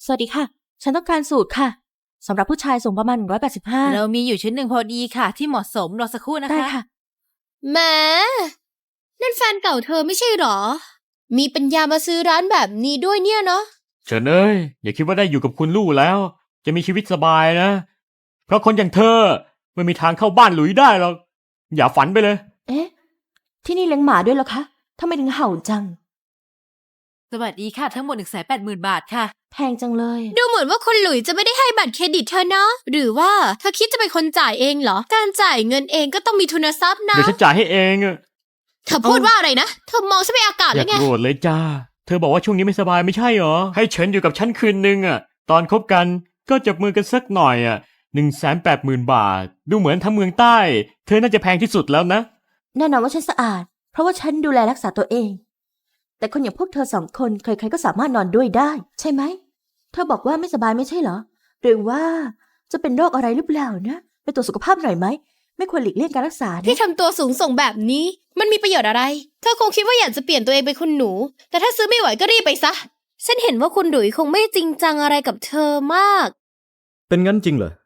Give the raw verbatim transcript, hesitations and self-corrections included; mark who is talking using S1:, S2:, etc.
S1: สวัสดีค่ะฉันต้องการสูตรค่ะสำหรับผู้ชายสูงประมาณหนึ่งร้อยแปดสิบห้า
S2: เรามีอยู่ชุดหนึ่งพอดีค่ะที่เหมาะสมรอสักครู่นะคะ
S1: ได้ค่ะ
S3: แหมนั่นแฟนเก่าเธอไม่ใช่หรอมีปัญญามาซื้อร้านแบบนี้ด้วยเนี่ยเนาะ
S4: เฉินเอ้ยอย่าคิดว่าได้อยู่กับคุณลู่แล้ว จะมีชีวิตสบายนะ เพราะคนอย่างเธอไม่มีทางเข้าบ้านหลุยได้หรอกอย่าฝันไปเลย
S1: เอ๊ะที่นี่เลี้ยงหมาด้วยเหรอคะทำไมถึงเห่าจัง
S2: สวัสดีค่ะทั้งหมดหนึ่งแสนแปดหมื่นบาทค่ะ
S1: แพงจังเลย
S3: ดูเหมือนว่าคุณหลุยจะไม่ได้ให้บัตรเครดิตเธอเนาะหรือว่าเธอคิดจะเป็นคนจ่ายเองเหรอการจ่ายเงินเองก็ต้องมีทุนทรัพย์นะ
S4: เดี๋ยวฉันจ่ายให้เองอะ
S3: เธอพูดว่าอะไรนะเธอมองฉันเป็นอากาศ
S4: อ
S3: แล้
S4: ย่าว
S3: ไง
S4: โกรธเลยจ้าเธอบอกว่าช่วงนี้ไม่สบายไม่ใช่หรอให้เฉินอยู่กับฉันคืนนึงอะตอนคบกันก็จับมือกันสักหน่อยอะหนึ่งแสนแปดหมื่นบาทดูเหมือนทั้งเมืองใต้เธอน่าจะแพงที่สุดแล้วนะ
S1: แน่นอนว่าฉันสะอาดเพราะว่าฉันดูแลรักษาตัวเองแต่คนอย่างพวกเธอสองคนใครๆก็สามารถนอนด้วยได้ใช่ไหมเธอบอกว่าไม่สบายไม่ใช่เหรอหรือว่าจะเป็นโรคอะไรหรือเปล่านะไปตรวจสุขภาพหน่อยไหมไม่ควรหลีกเลี่ยงการรักษานะ
S3: ที่ทำตัวสูงส่งแบบนี้มันมีประโยชน์อะไรเธอคงคิดว่าอยากจะเปลี่ยนตัวเองเป็นคุณหนูแต่ถ้าซื้อไม่ไหวก็รีบไปซะฉันเห็นว่าคุณหลุยคงไม่จริงจังอะไรกับเธอมาก
S5: เป็นงั้นจริงเหรอ